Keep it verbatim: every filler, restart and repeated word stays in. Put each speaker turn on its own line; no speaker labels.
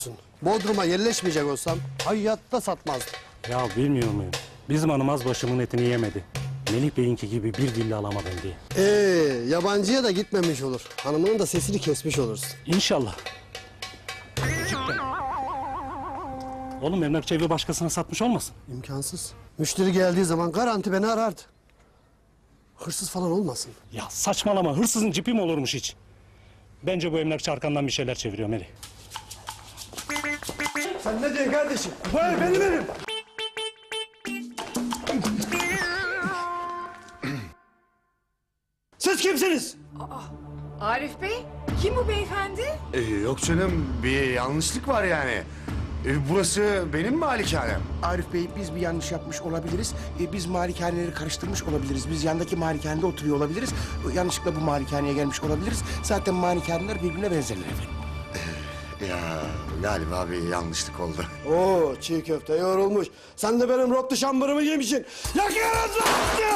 Bodrum'a yerleşmeyecek olsam hayatta satmazdım.
Ya bilmiyor muyum? Bizim hanım az başımın etini yemedi. Melih Bey'inki gibi bir dille alamadım diye.
Ee, yabancıya da gitmemiş olur. Hanımının da sesini kesmiş olursun.
İnşallah. Cidden. Oğlum emlakçı evi başkasına satmış olmasın?
İmkansız. Müşteri geldiği zaman garanti beni arardı. Hırsız falan olmasın.
Ya saçmalama, hırsızın cipi mi olurmuş hiç? Bence bu emlakçı arkandan bir şeyler çeviriyor Melih.
Sen ne diyorsun kardeşim? Bu ev benim evim. Siz kimsiniz?
Arif Bey, kim bu beyefendi?
Ee, yok canım, bir yanlışlık var yani. Ee, burası benim malikanem.
Arif Bey, biz bir yanlış yapmış olabiliriz. Ee, biz malikaneleri karıştırmış olabiliriz. Biz yandaki malikanede oturuyor olabiliriz. Yanlışlıkla bu malikaneye gelmiş olabiliriz. Zaten malikaneler birbirine benzerler efendim.
Ya galiba bir yanlışlık oldu.
Oo, çiğ köfte yoğrulmuş. Sen de benim rotlu şambırımı yemişsin. Yakıyoruz lan!